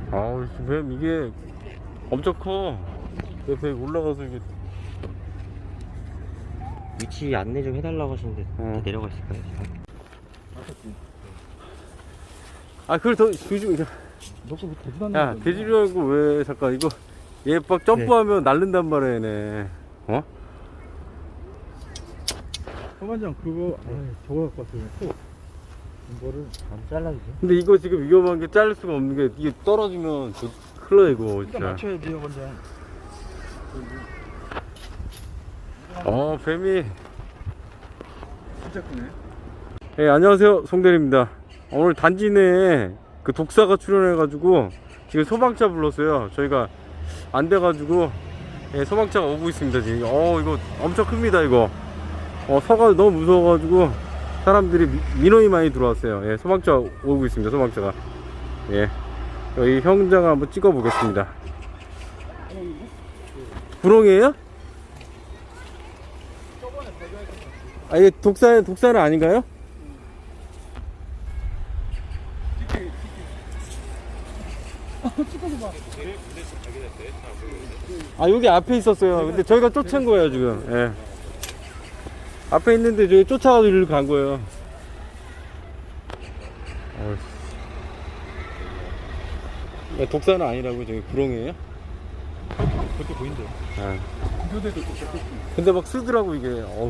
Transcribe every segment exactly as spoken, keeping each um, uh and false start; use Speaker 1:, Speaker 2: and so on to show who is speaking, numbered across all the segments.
Speaker 1: 아우, 뱀 이게 엄청 커. 옆에 올라가서 이게.
Speaker 2: 위치 안내 좀 해달라고 하시는데
Speaker 1: 어.
Speaker 2: 내려가 있을까요?
Speaker 1: 아, 그걸 더 조심.
Speaker 3: 너도 뭐 대지도
Speaker 1: 야, 돼지려고 왜 잠깐 이거 얘 막 점프하면 날른단 말이야, 얘네. 어?
Speaker 3: 서반장 그거 아 저거 갖고 왔어요. 또 이거를
Speaker 2: 안 잘라주세요.
Speaker 1: 근데 이거 지금 위험한 게 자를 수가 없는 게 이게 떨어지면 저 큰일 나, 이거
Speaker 3: 일단
Speaker 1: 진짜.
Speaker 3: 맞춰야 돼요, 반장.
Speaker 1: 어, 뱀이.
Speaker 3: 진짜 크네.
Speaker 1: 예, 안녕하세요, 송대리입니다. 오늘 단지 내에 그 독사가 출연해가지고 지금 소방차 불렀어요. 저희가 안 돼가지고 예, 소방차가 오고 있습니다 지금. 어, 이거 엄청 큽니다 이거. 어, 서가 너무 무서워가지고 사람들이 미, 민원이 많이 들어왔어요. 예, 소방차 오고 있습니다. 소방차가. 예, 여기 형장을 한번 찍어 보겠습니다. 구렁이에요? 아, 이게 독사 독사는 아닌가요? 아, 여기 앞에 있었어요. 근데 저희가 쫓은 거예요 지금. 예. 앞에 있는데 저희 쫓아가서 이리로 간 거예요. 어, 독사는 아니라고. 저기 구렁이에요?
Speaker 3: 그렇게 보인대요.
Speaker 1: 아.
Speaker 3: 구조대도 똑같고.
Speaker 1: 근데 막 쓰더라고 이게. 어우.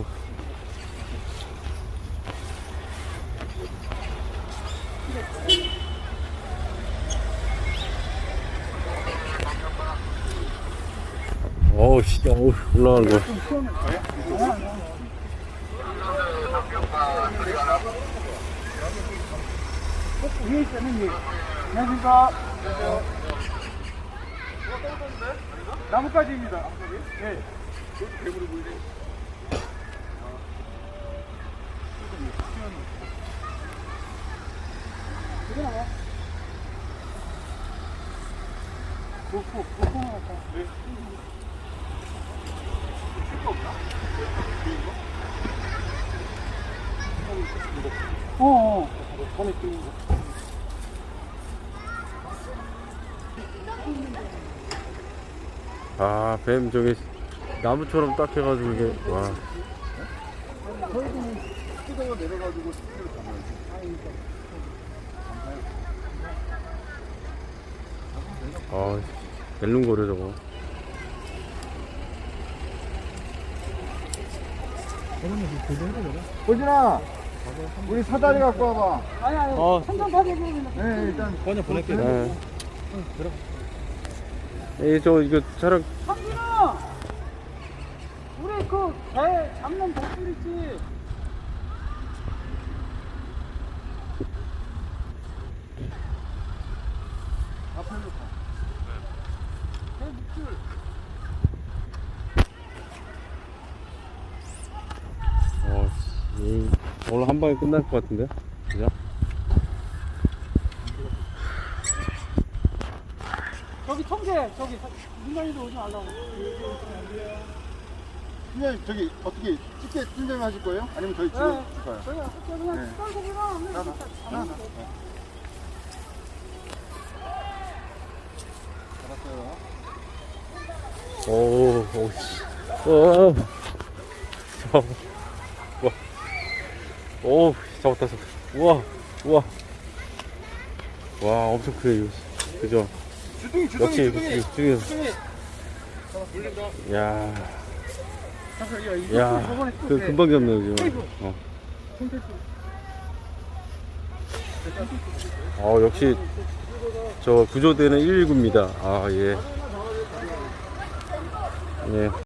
Speaker 1: 어우, 씨, 어우, 올라가는 거.
Speaker 3: 위에 있다는 얘기. 안녕하십니까. 나뭇가지입니다. 네. 괴물이 보이네. 목포, 목포 나왔다. 네. 어, 어. 전에 끓인 거.
Speaker 1: 아, 뱀 저기 나무처럼 딱 해가지고 이게. 와.
Speaker 3: 저희도 뜯어가 내려가지고 스피드를 잡아야지.
Speaker 1: 아, 멜lun거려 저거.
Speaker 3: 보진아, 우리 사다리 갖고 와봐.
Speaker 4: 아니 아니
Speaker 1: 어.
Speaker 4: 천장 파괴되면
Speaker 3: 네, 일단
Speaker 2: 번역 보낼게요.
Speaker 1: 네. 예, 저 이거 차량.
Speaker 4: 상준아 우리 그 배 잡는 복줄 있지
Speaker 3: 앞으로 가.
Speaker 4: 배 목줄
Speaker 1: 어, 이, 오늘 한 방에 끝날 것 같은데, 그죠?
Speaker 4: 저기 통제 저기 민간인도 오지 말라고
Speaker 3: 팀장님 저기 어떻게 찍게 팀장님 하실 거예요? 아니면 저희
Speaker 4: 네.
Speaker 3: 찍어 줄까요?
Speaker 4: 저희가 그냥
Speaker 3: 네.
Speaker 4: 떨고 그냥
Speaker 3: 나, 나, 나, 나.
Speaker 4: 하면 돼.
Speaker 3: 알았어요.
Speaker 1: 오, 오, 씨. 오, 저, 와. 오, 잡았다, 잡았다. 우와, 우와. 와, 엄청 크네, 이거. 그죠?
Speaker 3: 주둥이, 주둥이,
Speaker 1: 역시,
Speaker 3: 주둥이.
Speaker 1: 주둥이.
Speaker 3: 주둥이.
Speaker 1: 야,
Speaker 4: 잠깐 야 이거
Speaker 1: 야,
Speaker 4: 저번에 또
Speaker 1: 그
Speaker 4: 배.
Speaker 1: 금방 잡네요, 지금. 어. 어, 역시, 저 구조대는 일일구입니다. 아, 예. 예.